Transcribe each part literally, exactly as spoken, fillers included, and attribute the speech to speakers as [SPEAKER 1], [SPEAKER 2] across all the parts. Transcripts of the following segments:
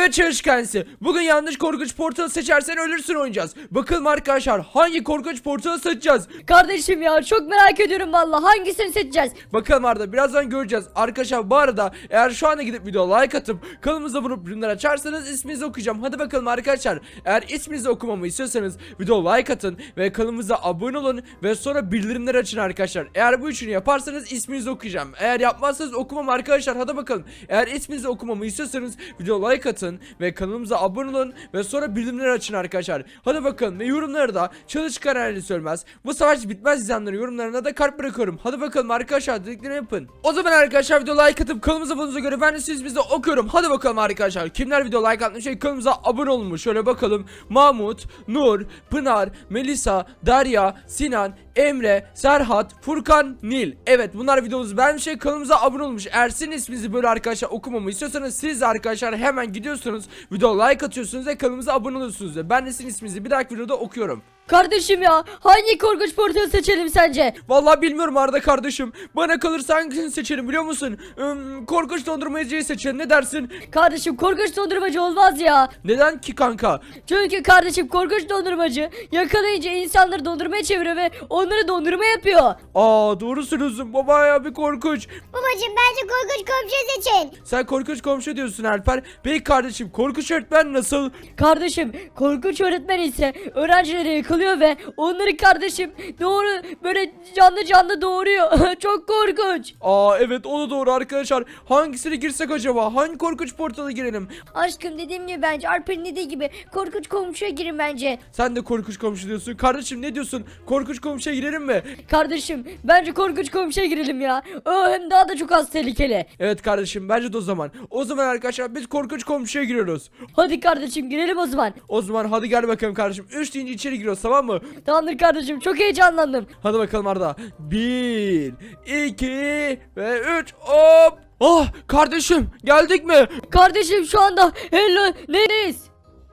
[SPEAKER 1] Evet çalışkansı. Bugün yanlış korkunç portalı seçersen ölürsün oynayacağız. Bakalım arkadaşlar hangi korkunç portalı seçeceğiz?
[SPEAKER 2] Kardeşim ya çok merak ediyorum valla hangisini seçeceğiz?
[SPEAKER 1] Bakalım Arda birazdan göreceğiz. Arkadaşlar bu arada eğer şu anda gidip video like atıp kanalımıza vurup bildirimleri açarsanız isminizi okuyacağım. Hadi bakalım arkadaşlar. Eğer isminizi okumamı istiyorsanız video like atın ve kanalımıza abone olun ve sonra bildirimleri açın arkadaşlar. Eğer bu üçünü yaparsanız isminizi okuyacağım. Eğer yapmazsanız okumam arkadaşlar. Hadi bakalım. Eğer isminizi okumamı istiyorsanız video like atın ve kanalımıza abone olun ve sonra bildirimleri açın arkadaşlar. Hadi bakalım ve yorumlara da çalışkan halini söylemez. Bu savaş bitmez izleyenlerin yorumlarına da kalp bırakıyorum. Hadi bakalım arkadaşlar dediklerimi yapın. O zaman arkadaşlar video like atıp kanalımıza abone'uza göre ben de siz bize okuyorum. Hadi bakalım arkadaşlar. Kimler video like atmış şey kanalımıza abone olmuş. Şöyle bakalım. Mahmut, Nur, Pınar, Melisa, Derya, Sinan, Emre, Serhat, Furkan, Nil. Evet bunlar videomuzu beğenmiş şey kanalımıza abone olmuş. Eğer sizin isminizi böyle arkadaşlar okumamı istiyorsanız siz de arkadaşlar hemen gidiyorsunuz. Video like atıyorsunuz ve kanalımıza abone oluyorsunuz. Ve ben de sizin isminizi bir dahaki videoda okuyorum.
[SPEAKER 2] Kardeşim ya hangi korkunç portalı seçelim sence?
[SPEAKER 1] Vallahi bilmiyorum Arda kardeşim. Bana kalırsa hangisini seçelim biliyor musun? Hmm, korkunç dondurmacıyı seçelim, ne dersin?
[SPEAKER 2] Kardeşim korkunç dondurmacı olmaz ya.
[SPEAKER 1] Neden ki kanka?
[SPEAKER 2] Çünkü kardeşim korkunç dondurmacı yakalayınca insanları dondurmaya çeviriyor ve onları dondurma yapıyor.
[SPEAKER 1] Aa doğru söylüyorsun baba ya, bir korkunç.
[SPEAKER 3] Babacım bence korkunç komşu seçin.
[SPEAKER 1] Sen korkunç komşu diyorsun Alper. Peki kardeşim korkunç öğretmen nasıl?
[SPEAKER 2] Kardeşim korkunç öğretmen ise öğrencileri yıkılıyor ve onları kardeşim doğru böyle canlı canlı doğuruyor. Çok korkunç.
[SPEAKER 1] Aa evet o da doğru arkadaşlar. Hangisine girsek acaba? Hangi korkunç portala girelim?
[SPEAKER 2] Aşkım dediğim gibi bence Alper'in dediği gibi korkunç komşuya girin bence.
[SPEAKER 1] Sen de korkunç komşu diyorsun. Kardeşim ne diyorsun? Korkunç komşuya girelim mi?
[SPEAKER 2] Kardeşim bence korkunç komşuya girelim ya. O hem daha da çok az tehlikeli.
[SPEAKER 1] Evet kardeşim bence de o zaman. O zaman arkadaşlar biz korkunç komşuya giriyoruz.
[SPEAKER 2] Hadi kardeşim girelim o zaman.
[SPEAKER 1] O zaman hadi gel bakalım kardeşim. Üç deyince içeri giriyoruz tamam mı?
[SPEAKER 2] Tamamdır kardeşim çok heyecanlandım.
[SPEAKER 1] Hadi bakalım Arda. Bir, iki ve üç. Hop. Ah kardeşim geldik mi?
[SPEAKER 2] Kardeşim şu anda hello neredeyiz?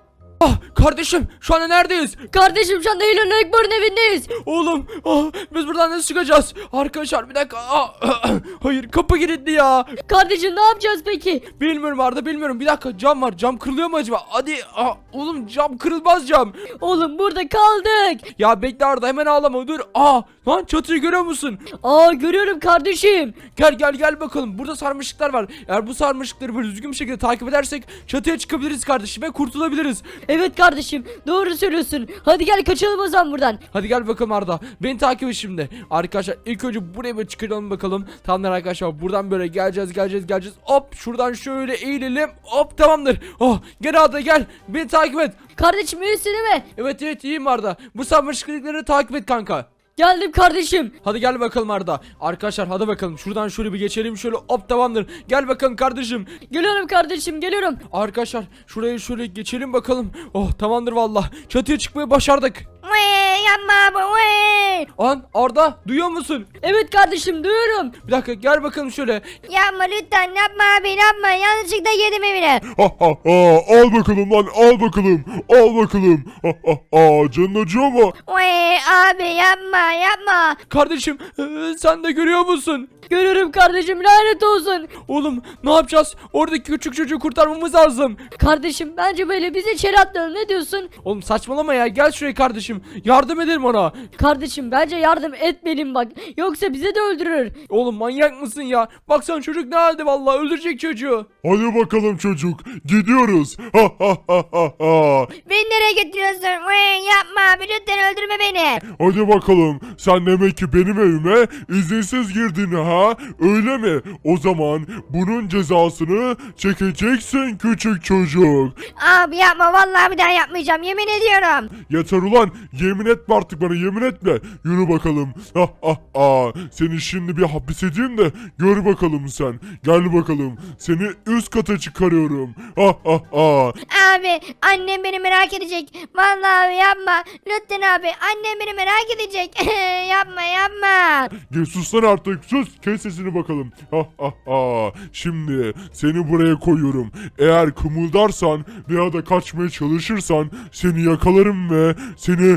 [SPEAKER 1] Ah kardeşim şu anda neredeyiz?
[SPEAKER 2] Kardeşim şu anda Hello Neighbor'un evindeyiz.
[SPEAKER 1] Oğlum ah, biz buradan nasıl çıkacağız? Arkadaşlar bir dakika. Ah, hayır kapı kilitli ya.
[SPEAKER 2] Kardeşim ne yapacağız peki?
[SPEAKER 1] Bilmiyorum Arda bilmiyorum. Bir dakika cam var. Cam kırılıyor mu acaba? Hadi ah, oğlum cam kırılmaz cam.
[SPEAKER 2] Oğlum burada kaldık.
[SPEAKER 1] Ya bekle Arda hemen ağlama dur. Aa lan çatıyı görüyor musun?
[SPEAKER 2] Aa görüyorum kardeşim.
[SPEAKER 1] Gel gel gel bakalım. Burada sarmaşıklar var. Eğer bu sarmaşıkları böyle düzgün bir şekilde takip edersek çatıya çıkabiliriz kardeşim ve kurtulabiliriz.
[SPEAKER 2] Evet kardeşim doğru söylüyorsun. Hadi gel kaçalım o zaman buradan.
[SPEAKER 1] Hadi gel bakalım Arda. Beni takip et şimdi. Arkadaşlar ilk önce buraya bir çıkaralım bakalım. Tamamdır arkadaşlar. Buradan böyle geleceğiz geleceğiz geleceğiz. Hop şuradan şöyle eğilelim. Hop tamamdır. Oh gel Arda gel. Beni takip et.
[SPEAKER 2] Kardeşim iyisin değil mi?
[SPEAKER 1] Evet evet iyiyim Arda. Bu sarmaşıkları takip et kanka.
[SPEAKER 2] Geldim kardeşim.
[SPEAKER 1] Hadi gel bakalım Arda. Arkadaşlar hadi bakalım. Şuradan şöyle bir geçelim şöyle. Hop tamamdır. Gel bakalım kardeşim.
[SPEAKER 2] Geliyorum kardeşim geliyorum.
[SPEAKER 1] Arkadaşlar şuraya şöyle geçelim bakalım. Oh tamamdır valla. Çatıya çıkmayı başardık.
[SPEAKER 3] Vay yapma abi vay.
[SPEAKER 1] An Arda duyuyor musun?
[SPEAKER 2] Evet kardeşim duyuyorum.
[SPEAKER 1] Bir dakika gel bakalım şöyle.
[SPEAKER 3] Yapma lütfen yapma abi yapma. Yanlışlıkla girdim evine.
[SPEAKER 4] Ha ha ha, al bakalım lan, al bakalım, al bakalım. Ha ha ha, canın acıyor mu?
[SPEAKER 3] Vay abi yapma yapma.
[SPEAKER 1] Kardeşim ee, sen de görüyor musun?
[SPEAKER 2] Görüyorum kardeşim lanet olsun.
[SPEAKER 1] Oğlum ne yapacağız? Oradaki küçük çocuğu kurtarmamız lazım.
[SPEAKER 2] Kardeşim bence böyle bizi içeri atlayalım ne diyorsun?
[SPEAKER 1] Oğlum saçmalama ya, gel şuraya kardeşim. Yardım edelim ona.
[SPEAKER 2] Kardeşim bence yardım etmeliyim bak. Yoksa bizi de öldürür.
[SPEAKER 1] Oğlum manyak mısın ya? Baksana çocuk ne halde vallahi, öldürecek çocuğu.
[SPEAKER 4] Hadi bakalım çocuk, gidiyoruz. Ha ha ha ha ha.
[SPEAKER 3] Beni nereye götürüyorsun? Vay yapma abi lütfen öldürme beni.
[SPEAKER 4] Hadi bakalım, sen demek ki benim evime izinsiz girdin ha? Öyle mi? O zaman bunun cezasını çekeceksin küçük çocuk.
[SPEAKER 3] Abi yapma vallahi bir daha yapmayacağım yemin ediyorum.
[SPEAKER 4] Yeter ulan, yemin etme artık bana, yemin etme. Yürü bakalım. Ha ha ha. Seni şimdi bir hapis edeyim de gör bakalım sen. Gel bakalım, seni üst kata çıkarıyorum. Ha ha ha.
[SPEAKER 3] Abi annem beni merak edecek. Vallahi abi yapma. Lütfen abi annem beni merak edecek. yapma yapma.
[SPEAKER 4] Gel sus lan artık, sus. Kes sesini bakalım. Ha ha ha. Şimdi seni buraya koyuyorum. Eğer kımıldarsan veya da kaçmaya çalışırsan seni yakalarım ve seni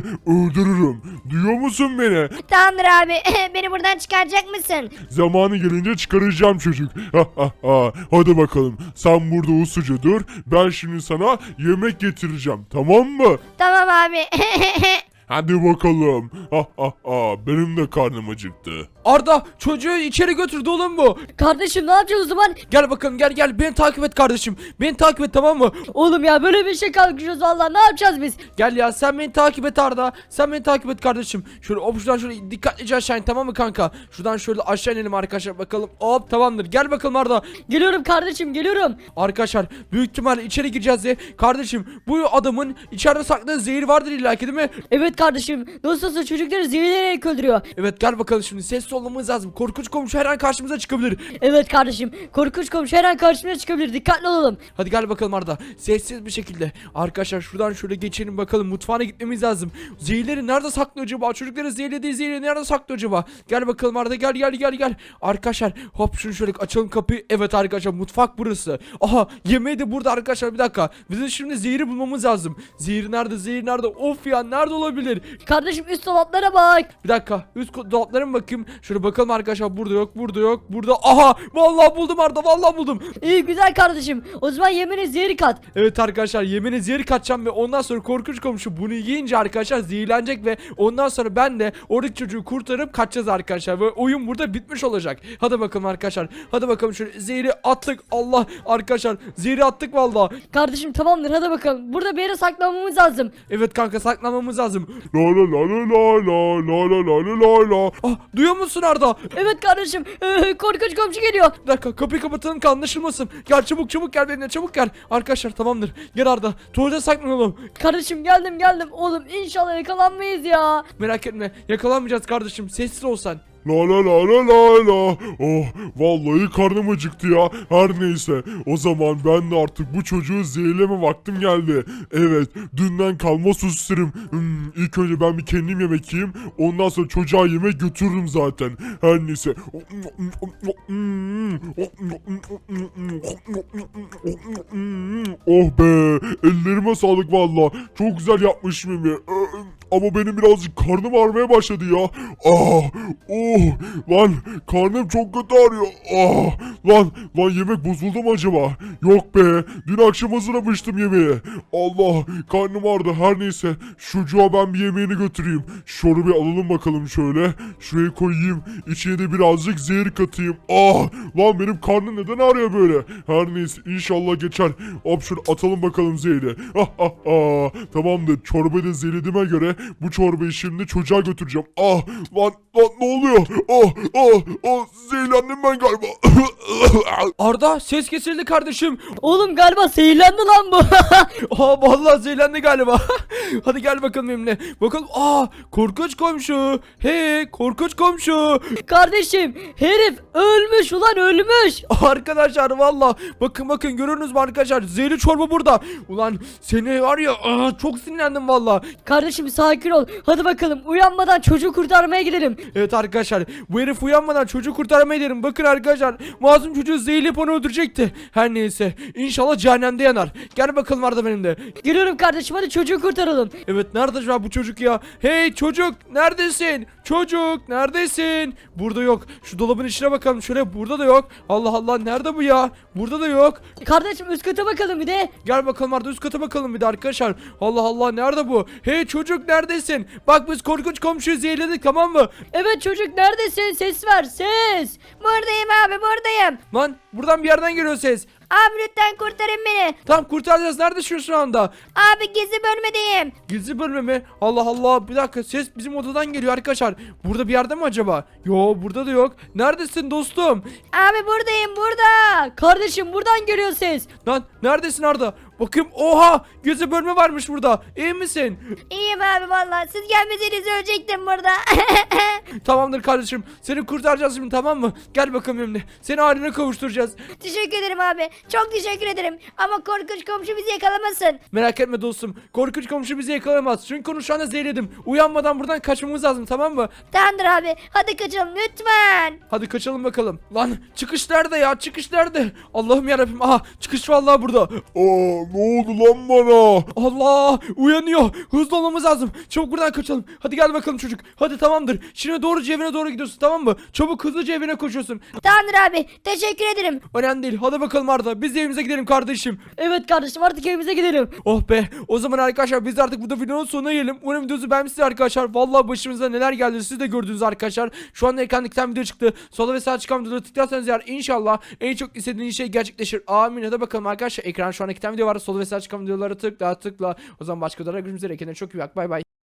[SPEAKER 4] öldürürüm. Duyuyor musun beni?
[SPEAKER 3] Tamamdır abi. Beni buradan çıkaracak mısın?
[SPEAKER 4] Zamanı gelince çıkaracağım çocuk. Ha, ha, ha. Hadi bakalım. Sen burada usuca dur. Ben şimdi sana yemek getireceğim. Tamam mı?
[SPEAKER 3] Tamam abi.
[SPEAKER 4] Hadi bakalım. Ha, ha, ha. Benim de karnım acıktı.
[SPEAKER 1] Arda çocuğu içeri götürdü oğlum bu.
[SPEAKER 2] Kardeşim ne yapacağız o zaman?
[SPEAKER 1] Gel bakalım gel gel beni takip et kardeşim. Beni takip et tamam mı?
[SPEAKER 2] Oğlum ya böyle bir şey kalkışıyoruz valla ne yapacağız biz?
[SPEAKER 1] Gel ya sen beni takip et Arda. Sen beni takip et kardeşim. Şöyle hop şuradan şöyle dikkatlice aşağı in tamam mı kanka? Şuradan şöyle aşağı inelim arkadaşlar bakalım. Hop tamamdır. Gel bakalım Arda.
[SPEAKER 2] Geliyorum kardeşim geliyorum.
[SPEAKER 1] Arkadaşlar büyük ihtimalle içeri gireceğiz diye. Kardeşim bu adamın içeride sakladığı zehir vardır illaki değil mi?
[SPEAKER 2] Evet kardeşim nasıl olsa çocukları zehirleyerek öldürüyor.
[SPEAKER 1] Evet gel bakalım şimdi sessiz olmamız lazım. Korkunç komşu her an karşımıza çıkabilir.
[SPEAKER 2] Evet kardeşim korkunç komşu her an karşımıza çıkabilir dikkatli olalım.
[SPEAKER 1] Hadi gel bakalım Arda. Sessiz bir şekilde. Arkadaşlar şuradan şöyle geçelim bakalım. Mutfağına gitmemiz lazım. Zehirleri nerede saklıyor acaba? Çocukları zehirlediği zehirleri nerede saklıyor acaba? Gel bakalım Arda gel gel gel gel. Arkadaşlar hop şunu şöyle açalım kapıyı. Evet arkadaşlar mutfak burası. Aha yemeği de burada arkadaşlar bir dakika. Bizim şimdi zehiri bulmamız lazım. Zehir nerede? Zehir nerede? Of ya nerede olabilir?
[SPEAKER 2] Kardeşim üst dolaplara bak.
[SPEAKER 1] Bir dakika. Üst ko- dolaplara mı bakayım? Şöyle bakalım arkadaşlar. Burada yok. Burada yok. Burada. Aha! Vallahi buldum Arda. Vallahi buldum.
[SPEAKER 2] İyi güzel kardeşim. O zaman yemeğine zehri kat.
[SPEAKER 1] Evet arkadaşlar yemeğine zehir katacağım ve ondan sonra korkunç komşu bunu yiyince arkadaşlar zehirlenecek ve ondan sonra ben de oradaki çocuğu kurtarıp kaçacağız arkadaşlar ve oyun burada bitmiş olacak. Hadi bakalım arkadaşlar. Hadi bakalım şöyle zehri attık. Allah arkadaşlar zehri attık vallahi.
[SPEAKER 2] Kardeşim tamamdır hadi bakalım. Burada bir yere saklanmamız lazım.
[SPEAKER 1] Evet kanka saklanmamız lazım.
[SPEAKER 4] La la la la la la la la la la la.
[SPEAKER 1] Ah duyuyor musun Arda?
[SPEAKER 2] Evet kardeşim ee, korkunç komşu geliyor.
[SPEAKER 1] Bir dakika kapıyı kapatalım ki anlaşılmasın. Gel çabuk çabuk gel benimle çabuk gel. Arkadaşlar tamamdır. Gel Arda. Tuvalete saklanalım.
[SPEAKER 2] Kardeşim geldim geldim. Oğlum inşallah yakalanmayız ya.
[SPEAKER 1] Merak etme yakalanmayacağız kardeşim. Sessiz ol sen.
[SPEAKER 4] La la la la la la. Oh vallahi karnım acıktı ya. Her neyse o zaman ben de artık bu çocuğu zehirleme vaktim geldi. Evet dünden kalma suslarım. Hmm, ilk önce ben bir kendim yemek yiyeyim. Ondan sonra çocuğa yemek götürürüm zaten. Her neyse. Oh be ellerime sağlık valla. Çok güzel yapmışım yemeği. Ama benim birazcık karnım ağrımaya başladı ya. Ah, oh, lan karnım çok kötü ağrıyor. Ah, lan, lan yemek bozuldu mu acaba? Yok be, dün akşam hazırlamıştım yemeği. Allah, karnım ağrıdı. Her neyse, çocuğa ben bir yemeğini götüreyim. Şunu bir alalım bakalım şöyle. Şuraya koyayım. İçine de birazcık zehir katayım. Ah, lan benim karnım neden ağrıyor böyle? Her neyse, inşallah geçer. Hop şunu atalım bakalım zehri. Ah, ah, ah. Tamamdır, çorbayı da zehirlediğime göre bu çorbayı şimdi çocuğa götüreceğim. Ah lan lan ne oluyor? Ah ah ah zehirlendim ben galiba.
[SPEAKER 1] Arda ses kesildi kardeşim.
[SPEAKER 2] Oğlum galiba zehirlendi lan bu.
[SPEAKER 1] Aa vallahi zehirlendi galiba. Hadi gel bakalım benimle. Bakalım. Aa korkunç komşu. Hey korkunç komşu.
[SPEAKER 2] Kardeşim herif ölmüş ulan ölmüş.
[SPEAKER 1] Arkadaşlar valla bakın bakın görüyorsunuz mu arkadaşlar zehirli çorba burada. Ulan seni var ya aa, çok sinirlendim valla.
[SPEAKER 2] Kardeşim sakin ol. Hadi bakalım uyanmadan çocuğu kurtarmaya gidelim.
[SPEAKER 1] Evet arkadaşlar bu herif uyanmadan çocuğu kurtarmaya gidelim. Bakın arkadaşlar masum çocuğu zehirleyip onu öldürecekti. Her neyse inşallah cehennemde yanar. Gel bakalım Arda benimle.
[SPEAKER 2] Geliyorum kardeşim hadi çocuğu kurtaralım.
[SPEAKER 1] Evet nerede şu an bu çocuk ya? Hey çocuk neredesin? Çocuk neredesin? Burada yok. Şu dolabın içine bakalım şöyle burada da yok. Allah Allah nerede bu ya? Burada da yok.
[SPEAKER 2] Kardeşim üst kata bakalım bir de.
[SPEAKER 1] Gel bakalım Arda üst kata bakalım bir de arkadaşlar. Allah Allah nerede bu? Hey çocuk neredesin? Bak biz korkunç komşuyu zehirledik tamam mı?
[SPEAKER 2] Evet çocuk neredesin? Ses ver ses.
[SPEAKER 3] Buradayım abi buradayım.
[SPEAKER 1] Lan buradan bir yerden geliyor ses.
[SPEAKER 3] Abi lütfen kurtarın beni.
[SPEAKER 1] Tamam kurtaracağız. Neredesin şu anda?
[SPEAKER 3] Abi gizli bölmedeyim.
[SPEAKER 1] Gizli bölme mi? Allah Allah bir dakika ses bizim odadan geliyor arkadaşlar. Burada bir yerde mi acaba? Yo burada da yok. Neredesin dostum?
[SPEAKER 3] Abi buradayım burada.
[SPEAKER 2] Kardeşim buradan geliyor ses.
[SPEAKER 1] Lan neredesin Arda? Bakayım oha gizli bölme varmış burada. İyi misin?
[SPEAKER 3] İyiyim abi vallahi. Siz gelmeseniz ölecektim burada.
[SPEAKER 1] Tamamdır kardeşim. Seni kurtaracağız şimdi tamam mı? Gel bakalım benimle. Seni haline kavuşturacağız.
[SPEAKER 3] Teşekkür ederim abi. Çok teşekkür ederim. Ama korkunç komşu bizi yakalamasın.
[SPEAKER 1] Merak etme dostum. Korkunç komşu bizi yakalamaz. Çünkü onu şu anda zehirledim. Uyanmadan buradan kaçmamız lazım, tamam mı?
[SPEAKER 3] Tamamdır abi. Hadi kaçalım lütfen.
[SPEAKER 1] Hadi kaçalım bakalım. Lan çıkış nerede ya? Çıkış nerede? Allah'ım yarabbim. Aha çıkış vallahi burada.
[SPEAKER 4] Aa, ne oldu lan bana?
[SPEAKER 1] Allah uyanıyor. Hızlı olmamız lazım. Çabuk buradan kaçalım. Hadi gel bakalım çocuk. Hadi tamamdır. Şimdi doğru evine doğru gidiyorsun, tamam mı? Çabuk hızlıca evine koşuyorsun.
[SPEAKER 3] Tamamdır abi. Teşekkür ederim.
[SPEAKER 1] Önemli değil. Hadi bakalım Arda. Biz de evimize gidelim kardeşim.
[SPEAKER 2] Evet kardeşim artık evimize gidelim.
[SPEAKER 1] Oh be. O zaman arkadaşlar biz de artık burada videonun sonuna gelelim. Umarım videosu beğenmişsiniz arkadaşlar. Vallahi başımıza neler geldi siz de gördünüz arkadaşlar. Şu anda ekranda iki tane video çıktı. Sola ve sağ çıkan videoları tıklarsanız eğer inşallah en çok istediğiniz şey gerçekleşir. Amin. Hadi bakalım arkadaşlar. Ekran şu anda iki tane video var. Sola ve sağ çıkan videoları tıkla tıkla. O zaman başka videolarda görüşmek üzere. Kendine çok iyi bak. Bay bay.